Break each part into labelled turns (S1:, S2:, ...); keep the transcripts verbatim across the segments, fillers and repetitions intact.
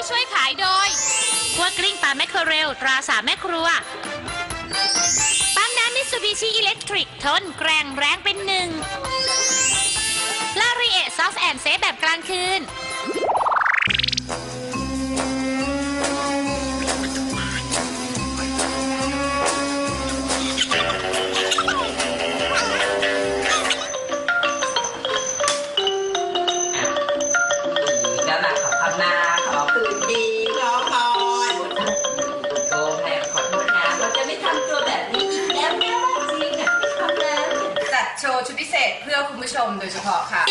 S1: ช่วยขายโดยคั่วกลิ้งปลาแมคเคอเรลตราสามแม่ครัวปั๊มน้ำมิตซูบิชิอิเล็กทริกทนแกร่งแรงเป็นหนึ่งลารีเอซอฟต์แอนด์เซฟแบบกลางคืน
S2: โชว์ชุดพิเศษเพื่อคุณผู้ชมโดยเฉพาะค่ะ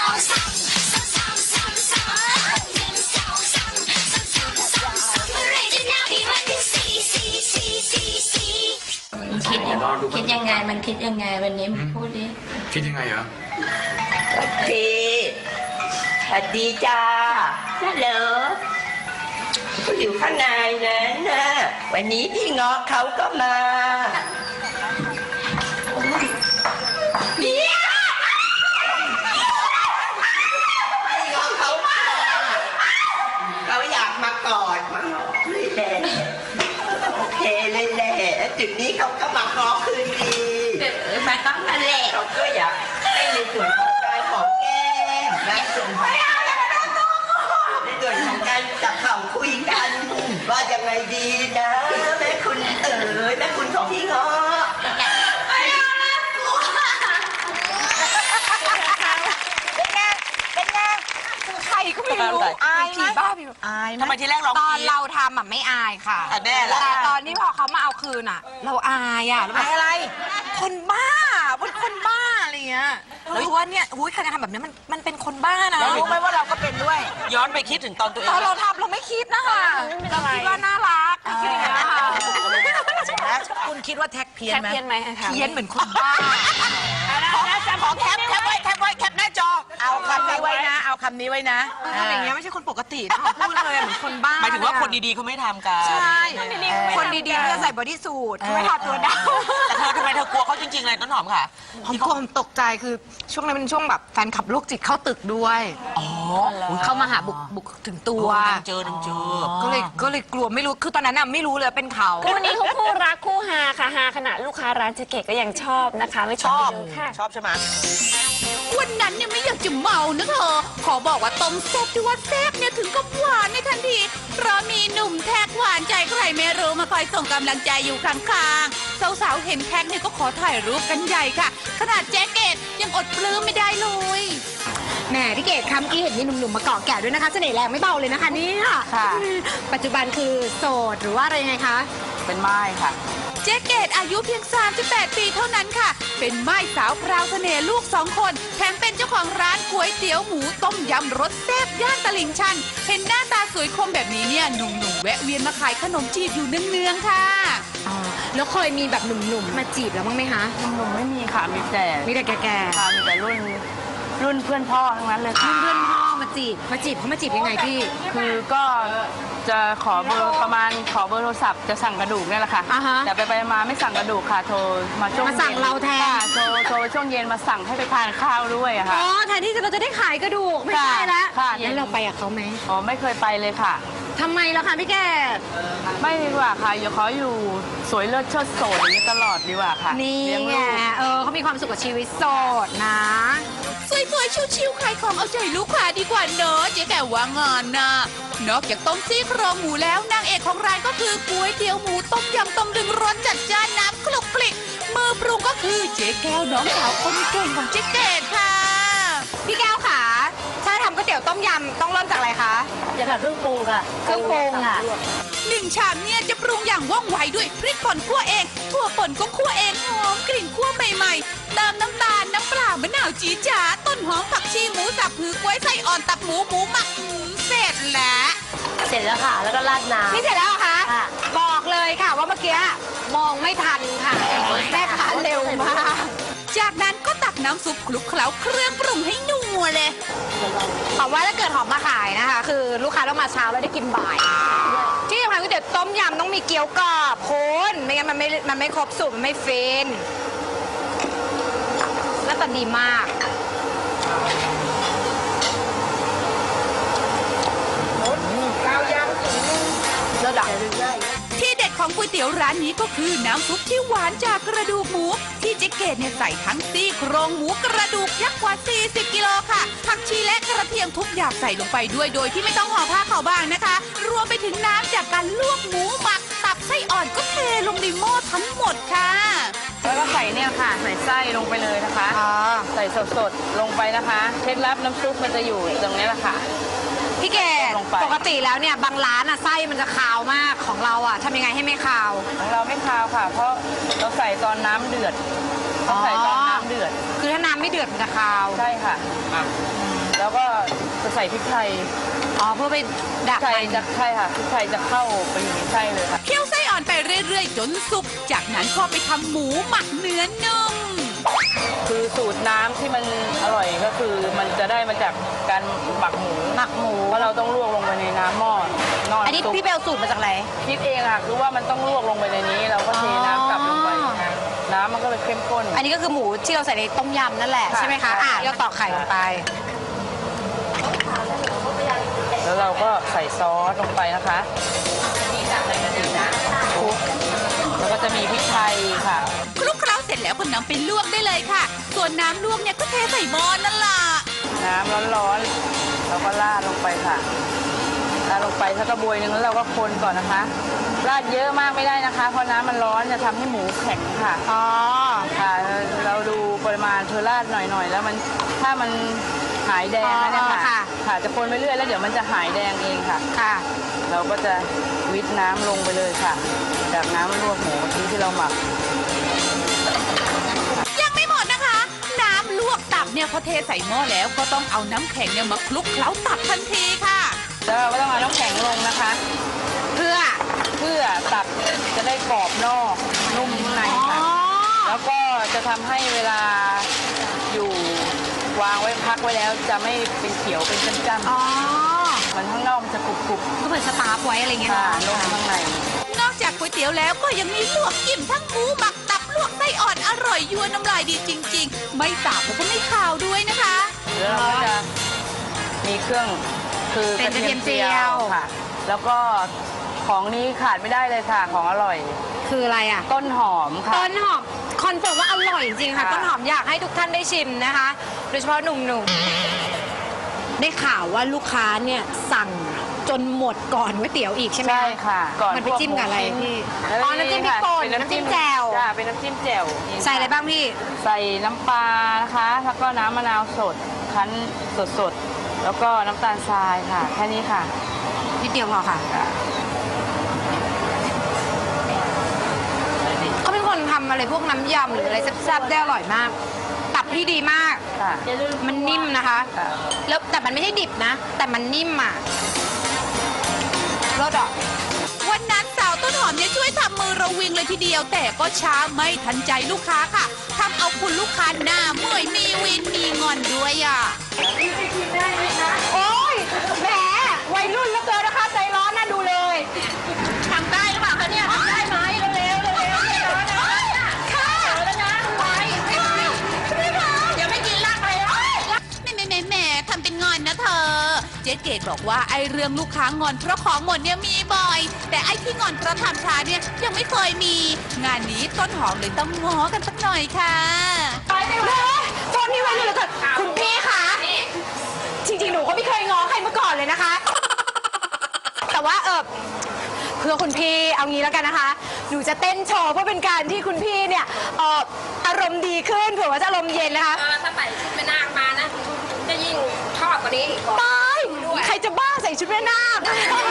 S3: คิดยังคิดยังไงมันคิดยังไงวันนี้มันพูดดิ
S4: คิดยังไงเหรอ
S5: พี่สวัสดีจ้าฮัลโหลเขาอยู่ข้างในนั้นนะวันนี้พี่เงาะเขาก็มาเนี่ยพี่เงาะเขามาเขาอยากมากอดมาหอมเลยแหละโอเคเลยแหละจุดนี้เขาก็มาขอคืนดีมาต้องมาแหละเขาก็อยากให้ในส่วนของการหอมแก้มและส่วนของในส่วนของการจับเข่าคุยกันว่ายังไงดีนะแม่คุณเอ๋ยแม่คุณของพี่เงาะ
S2: ใครก็ไม่รู้อายไหมบ้าพี่อายไหม
S5: ทำไมทีแรกร้อง
S2: ตอนเราทำอ่ะไม่อายค่ะ
S5: แน่ละ
S2: แต่ตอนนี้พอเขามาเอาคืนอ่ะ เราอายอ่ะอายอะไร คนบ้าเป็นคนบ้าอะไรเงี้ยรู้ว่าเนี่ยหุ้ยใครจะทำแบบนี้มันมันเป็นคนบ้านะรู้ไหมว่าเราก็เป็นด้วย
S5: ย้อนไปคิดถึงตอนตัวเอ
S2: ต
S5: ง
S2: อนเราทำเราไม่คิดนะคะเราคิดว่าน่ารักคิดอย่างเงี้ยค่ะคุณคิดว่าแท็กเพี้ยนไหมเพี้ยนไหมเพี้ยนเหมือนคนบ้าขอแคปแคปไว้แคปไว้แคปหน้าจอเอาคำนี้ไว้นะเอาคำนี้ไว้นะทำอย่างเงี้ยไม่ใช่คนปกตินะพูดเลยเหมือนคนบ้า
S5: หมายถึงว่าคนดีๆเขาไม่ทำกัน
S2: ใช่คนดีๆเขาจะใส่บอดี้สูทไม่ทาตัวดำ
S5: แต่เธอทำไมเธอกลัวเขาจริงๆเลยต้นหอมค่ะ
S2: ผมกลัวผมตกใจคือช่วงนั้นเป็นช่วงแบบแฟนขับโรคจิตเข้าตึกด้วยเข้ามาหาบุกบุกถึงตัว
S5: เจอเจอ
S2: ก็เลยก็เลยกลัวไม่รู้คือตอนนั้นน่ะไม่รู้เลยเป็นเขา
S6: คู่นี้เขาคู่รักคู่ฮาค่ะฮาขนาดลูกค้าร้านเจ๊เกดก็ยังชอบนะคะไม่ชอบค่ะ
S5: ชอบใช่ไหม
S1: วันนั้นเนี่ยไม่อยากจะเมานะเธอขอบอกว่าต้มแซ่บที่ว่าแซ่บเนี่ยถึงกับหวานในทันทีเพราะมีหนุ่มแท็กหวานใจใครไม่รู้มาคอยส่งกำลังใจอยู่ข้างๆสาวๆเห็นแท็กเนี่ยก็ขอถ่ายรูปกันใหญ่ค่ะขนาดแจ๊กเกตยังอดปลื้มไม่ได้เลย
S7: แหมพี่เกดคำกี้เห็นมีหนุ่มๆมาเกาะแกะด้วยนะคะเสน่ห์แรงไม่เบาเลยนะคะเนี่ย
S2: ค่ะ
S7: ปัจจุบันคือโสดหรือว่าอะไรยังไงคะ
S2: เป็นไม้ค่ะ
S1: เจ๊เกตอายุเพียงสามสิบแปดปีเท่านั้นค่ะ เป็นไม้สาวพราวเสน่ห์ลูกสองคน แถมเป็นเจ้าของร้านก๋วยเตี๋ยวหมูต้มยำรสแซ่บย่านตลิ่งชัน เห็นหน้าตาสวยคมแบบนี้เนี่ยหนุ่มๆแวะเวียนมาขายขนมจีบอยู่เนืองๆค่ะ
S7: อ๋อ แล้วเคยมีแบบหนุ่มๆมาจีบแล้วบ้างไหมคะ
S6: หนุ่มไม่มีค่ะมีแต่
S7: มีแต่แก่
S6: ค่ะมีแต่รุ่นรุ่นเพื่อนพ่อทั้งนั้นเลย
S7: ๆ
S6: ค่ะ
S7: เพื่อนๆพ่อมาจีบ มาจีบเขามาจีบยังไงพี่
S6: คือก็จะขอเบอร์ประมาณขอเบอร์โทรศัพท์จะสั่งกระดูกเนี่ยแหละค่ะ
S7: อ่าฮะ
S6: แต่ไปไปมาไม่สั่งกระดูกค่ะโทรมาช่วง
S7: มาสั่งเราแทน
S6: ค่ะโทรโทรช่วงเย็นมาสั่งให้ไปทานข้าวด้วยอะ
S7: อ๋
S6: ค่ะ
S7: อ แทนที่เราจะได้ขายกระดูก ไม่ใช่ละ
S6: ค่ะ
S7: แล้วเราไปกับเขาไหม
S6: อ๋อไม่เคยไปเลยค่ะ
S7: ทำไมล่ะคะพี่แกด
S6: ไม่ดีกว่าค่ะอย่าขออยู่สวยเลิศเชิดโสดอย่างนี้ตลอดดีกว่าค่ะ
S7: นี่
S6: เลี้ยง
S7: ไง
S6: ลูก
S7: เออเขามีความสุขกับชีวิตโสดนะ
S1: สวยๆ ชิวๆขายของเอาใจลูกค้าดีกว่าเนอะเจ๊แก่ว่างานนะนอกจากต้มซี่โครงหมูแล้วนางเอกของร้านก็คือก๋วยเตี๋ยวหมูต้มยำต้มดึงรสจัดจ้านน้ำคลุกคลิกมือปรุงก็คือเจ๊แก้วน้องสาวคนเก่งของเจ๊เกดค่ะ
S7: พี่แก้วขาถ้าทำก๋วยเตี๋ยวต้มยำต้องเริ่มจากอะไรคะ
S3: จะค่ะเครื่องปรุงค่ะ
S7: เครื่องปรุงค่ะ
S1: หนึ่งชามเนี่ยจะปรุงอย่างว่องไวด้วยพริกป่นคั่วเองถั่วป่นก็คั่วเองหอมกลิ่นคั่วใหม่ๆเติมน้ำตาลน้ำปลามะนาวจีจ๋าต้นหอมผักชีหมูสับผือกล้วยไส้อ่อนตับหมูหมูหมักอืมเสร็จแล้ว
S3: เสร็จแล้วค่ะ แล้วก็ราดน้ำ
S7: นี่เสร็จแล้วเหรอคะ
S3: ค่ะ
S7: บอกเลยค่ะว่าเมื่อกี้มองไม่ทันค่ะแม่ค้าเร็วมาก
S1: จากนั้นก็ตักน้ำซุปคลุกเคล้าเครื่องปรุงให้นัวเลย
S7: หอมว่าถ้าเกิดหอมมาขายนะคะ คือลูกค้าต้องมาเช้าแล้วได้กินบ่าย ที่สำคัญก๋วยเตี๋ยวต้มยำต้องมีเกี๊ยวกรอบคุณไม่งั้นมันไม่มันไม่ครบสูตรมันไม่ฟินหน้าตาดีมากข้าวยำ
S1: ตี๋ยวร้านนี้ก็คือน้ำซุปที่หวานจากกระดูกหมู ที่เจ๊เกดเนี่ยใส่ทั้งซี่โครงหมูกระดูกยักษ์กว่า สี่สิบ กิโลค่ะผักชีและกระเทียมทุกอย่างใส่ลงไปด้วยโดยที่ไม่ต้องห่อผ้าขาวบางนะคะ รวมไปถึงน้ำจากการลวกหมูหมักตับไส้อ่อนก็เทลงในหม้อทั้งหมดค่ะ
S6: แล้วก็ใส่เนี่ยค่ะ ใส่ไส้ลงไปเลยนะคะ
S7: อ๋อ
S6: ใส่สดๆลงไปนะคะเคล็ดลับน้ำซุปมันจะอยู่ตรงนี้แหละค่ะ
S7: พี่เกด
S6: ลงไป
S7: ปกติแล้วเนี่ยบางร้านอะไส้มันจะคาวมากของเราอะทำยังไงให้ไม่คาว
S6: ของเราไม่คาวค่ะ เพราะเราใส่ตอนน้ำเดือดเราใส่ตอนน้ำเดือด
S7: คือถ้าน้ำไม่เดือดมันจะคาว
S6: ใช่ค่ะ แล้วก็จะใส่พริกไทย
S7: อ๋อเพื่อไป
S6: พริ
S7: ดั
S6: ก
S7: บ
S6: ไทย
S7: มัน
S6: จะใช่ค่ะพริกไทยจะเข้าไปอยู่ในไส้เลยค่ะ
S1: เคี่ยวไส้อ่อนไปเรื่อยๆ จนสุก จากนั้นก็ไปทำหมูหมักเนื้อนุ่ม
S6: คือสูตรน้ำที่มันอร่อยก็คือมันจะได้มาจากการหมักหมู
S7: หมักหมู
S6: เพราะเราต้องลวกลงไปในน้ำหม้อนอน
S7: อันนี้
S6: ซุป
S7: พี่เบลสูตรมาจากไหน
S6: คิดเองค่ะคือว่ามันต้องลวกลงไปในนี้ เราก็เทน้ำกลับลงไป
S7: อ๋อ
S6: น้ำมันก็เลยเข้มข้น
S7: อันนี้ก็คือหมูที่เราใส่ในต้มยำนั่นแหละ
S6: ค่ะ
S7: ใช่ไหมคะ อ่ะเราตอกไข่ลงไป
S6: แล้วเราก็ใส่ซอสลงไปนะคะคลุกแล้วก็จะมีพริกไทยค่ะ
S1: คลุกเคล้าเสร็จแล้วก็นำไปลวกได้เลยค่ะ ส่วนน้ำลวกเนี่ยก็เทใส่หม้อนั่นล่ะ
S6: น้ำร้อนๆเราก็ราดลงไปค่ะราดลงไปสักกระบวยหนึ่งแล้วเราก็คนก่อนนะคะราดเยอะมากไม่ได้นะคะ เพราะน้ำมันร้อนจะทำให้หมูแข็งค่ะ
S7: อ๋อ
S6: ค่ะเราดูปริมาณเธอราดหน่อยๆ แล้วมันถ้ามันหายแดงแล้วเนี่ย
S7: อ๋อ
S6: ค่ะ
S7: ค่ะ
S6: ค่ะจะคนไปเรื่อยแล้วเดี๋ยวมันจะหายแดงเองค่ะ
S7: ค่ะ
S6: เราก็จะวิทน้ำลงไปเลยค่ะ จากน้ำลวกหมูที่ที่เราหมัก
S1: ยังไม่หมดนะคะ น้ำลวกตับเนี่ยพอเทใส่หม้อแล้วก็ต้องเอาน้ำแข็งเนี่ยมาคลุกเคล้าตับทันทีค่ะ
S6: แล้วเราก็ต้องเอาน้ำแข็งลงนะคะ
S7: เพื่อ
S6: เพื่อตับจะได้กรอบนอกนุ่มใน
S7: อ๋อ
S6: ค่ะ แล้วก็จะทำให้เวลาอยู่วางไว้พักไว้แล้วจะไม่เป็นเขียวเป็นจ้ำ
S7: อ๋อ
S6: ๆมันข้างนอกมันจะกรุบ
S7: ก็เหมือนสตาร์ฟไว้อะไร
S6: ๆ
S7: เงี้ย
S6: ค่ะ
S7: เนาะ
S6: นุ่มข้างใน
S1: นอกจากก๋วยเตี๋ยวแล้วก็ยังมีลวกจิ้มทั้งหมูหมักตับลวกไส้อ่อนอร่อยยวนน้ำลายดีจริง ๆ ไม่สาบแล้วก็ไม่ขาวด้วยนะคะ
S6: แล้วเราก็จะมีเครื่องคือ
S7: เป็นกระเทียมเจียว
S6: ค่ะ แล้วก็ของนี้ขาดไม่ได้เลยค่ะ ของอร่อย
S7: คืออะไรอ่ะ
S6: ต้นหอมค่ะ
S7: ต้นหอมคอนเฟิร์มว่าอร่อยจริงๆค่ะ
S6: ค่ะ
S7: ต้นหอมอยากให้ทุกท่านได้ชิมนะคะ โดยเฉพาะหนุ่มๆ ได้ข่าวว่าลูกค้าเนี่ยสั่งจนหมดก่อนก๋วยเตี๋ยวอีกใช่ไหม
S6: ใช่ค่ะก่อน
S7: มันไปจิ้มกับอะไรพี่
S6: แล้ว
S7: อ๋อน้ำจิ้มพริกป่น
S6: เป็น
S7: น้ำจิ้มแจ่ว
S6: จ้าเป็นน้ำจิ้มแจ่ว
S7: ใส่อะไรบ้างพี่
S6: ใส่น้ำปลานะคะ แล้วก็น้ำมะนาวสด คั้นสดๆ แล้วก็น้ำตาลทรายค่ะ แค่นี้ค่ะ
S7: นิดเดียวพอค่ะ เขาเป็นคนทำอะไรพวกน้ำยำหรืออะไรแซ่บๆได้อร่อยมาก ตับพี่ดีมาก
S6: ค่ะ
S7: มันนิ่มนะคะ
S6: ค่ะ
S7: แล้วแต่มันไม่ใช่ดิบนะ แต่มันนิ่มอ่ะรสอ่ะ
S1: วันนั้นสาวต้นหอมเนี่ยช่วยทำมือระวิงเลยทีเดียว แต่ก็ช้าไม่ทันใจลูกค้าค่ะทำเอาคุณลูกค้าหน้าเมื่อยมีวินมีงอนด้วยอ่ะ
S7: โอ้ยแหมวัยรุ่นเหลือเกินนะคะ ใจร้อนน่าดูเลยทำได้หรือเปล่าคะเนี่ยทำได้ไหมเร็วๆเร็วๆเร็วๆเร็วๆนะค่ะแล้วนะไวไม่ไหวไม่ไหวเดี๋ยวไม่กินลากไปแล้ว
S1: แหม่แหม่แหม่แหม่ทำเป็นงอนนะเธอ เจ๊เกดบอกว่าไอ้เรื่องลูกค้างอนเพราะของหมดเนี่ยมีบ่อย แต่ไอ้ที่งอนเพราะทำช้าเนี่ยยังไม่เคยมี งานนี้ต้นหอมเลยต้องง้อกันสักหน่อยค่ะ
S7: ไปไปไปโฟนนี่ไว้เลยเหลือเกินคุณพี่คะจริงๆ หนูก็ไม่เคยง้อใครมาก่อนเลยนะคะ แต่ว่าเออเพื่อคุณพี่เอางี้แล้วกันนะคะ หนูจะเต้นโชว์เพื่อเป็นการที่คุณพี่เนี่ยเอออารมณ์ดีขึ้นเผื่อว่าจะอารมณ์เย็นนะคะ
S4: ถ้าใส่ชุดแม่นาคมานะ จะยิ่งชอบกว่านี้อีก
S7: ตายใครจะบ้าใส่ชุดแม่นาค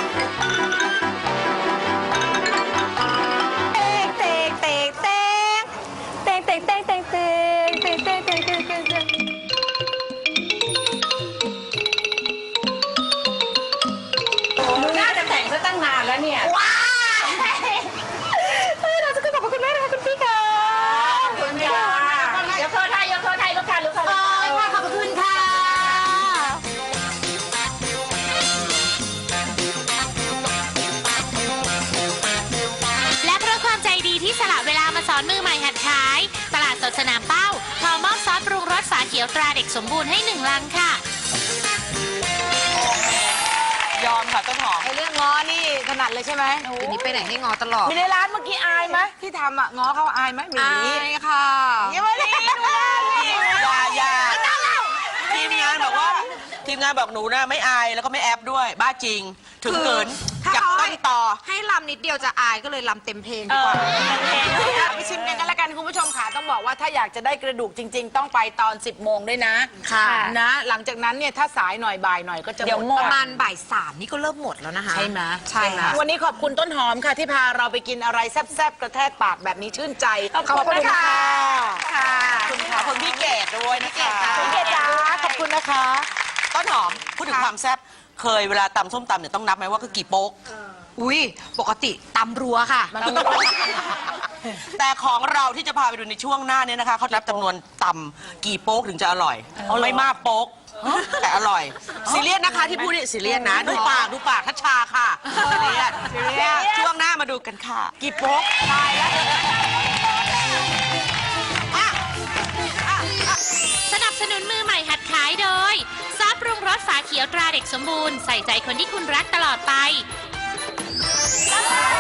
S7: เตงเตงเตงเตงเตงเตงเตงเตงเตงเตงเตงเตงเตงเตงหนูน่าจะแต่งซะตั้งนานแล้วเนี่ยว้าวเราจะขึ้นบอกกับคุณแม่นะคะคุณพี่ค่ะขอบคุณค่ะ
S4: ยกโทษไทยยกโทษไทยลูกค้าลูกค้า
S7: โอ้ยค่ะขอบคุณค่ะ
S8: และเพราะความใจดีที่สละเวลามาสอนมือใหม่หัดขาย ตลาดสดสนามเป้าขอมอบซอสปรุงรสฝาเขียวตราเด็กสมบูรณ์ให้หนึ่งลังค่ะ
S6: ยอมค่ะต้นหอม
S7: ไอ้เรื่องง้อนี่ถนัด
S2: ดเลยใช่ไหม
S7: ทีนี้ไปไหนให้งอตลอด
S2: มีในร้านเมื่อกี้อายไหมที่ทำอ่ะง้อเขาอายไหมมี
S7: อายค่ะ
S2: ยังไม่ได้ดูแลนี่
S5: อย่าอย่าทีมงานบอกว่าทีมงานบอกหนูนะไม่อายแล้วก็ไม่แอบด้วยบ้าจริง ถึงเกิน
S7: ถ้า
S5: จับ
S7: เขา
S5: ต้นต่อ
S7: ให้ลำนิดเดียวจะอายก็เลยลำเต็มเพลง
S2: เอ
S7: ดีก
S2: อ
S7: ว่า
S2: ไปชิมกันกันแล้วกันคุณผู้ชมค่ะต้องบอกว่าถ้าอยากจะได้กระดูกจริง ๆ ต้องไปตอน สิบโมงด้วยนะ
S7: ค่ะ
S2: นะ หลังจากนั้นเนี่ยถ้าสายหน่อยบ่ายหน่อยก็จะ
S7: เดี๋ยว
S2: หมด
S7: ประมาณบ่ายสามนี่ก็เริ่มหมดแล้วนะคะ
S2: ใช่ไหม
S7: ใช่ค่ะ
S2: วันนี้ขอบคุณต้นหอมค่ะ ที่พาเราไปกินอะไรแซ่บๆกระแทกปากแบบนี้ชื่นใจ
S7: ขอบคุณค่ะ
S2: ค่ะ
S5: ขอบคุณค่ะคุณพี่เกดด้วยนะคะ
S2: คุณเกดจ้าขอบคุณนะคะ
S5: ต้นหอมพูดถึงความแซ่บเคยเวลาตำส้มตำเนี่ยต้องนับไหมว่าคือกี่โป๊ก
S7: อุ้ยปกติตำรัวค่ะ
S5: แต่ของเราที่จะพาไปดูในช่วงหน้าเนี่ยนะคะเขานับจำนวนตำกี่โป๊กถึงจะอร่อยไม่มากโป๊กแต่อร่อยซีเรียสนะคะที่พูดนี่ซีเรียสนะดูปากดูปากทัชชาค่ะซีเรียสช่วงหน้ามาดูกันค่ะ
S2: กี่โป๊กตายแล้ว
S8: สนับสนุนมือใหม่หัดขายโดยซอสปรุงรสฝาเขียวตราเด็กสมบูรณ์ใส่ใจคนที่คุณรักตลอดไป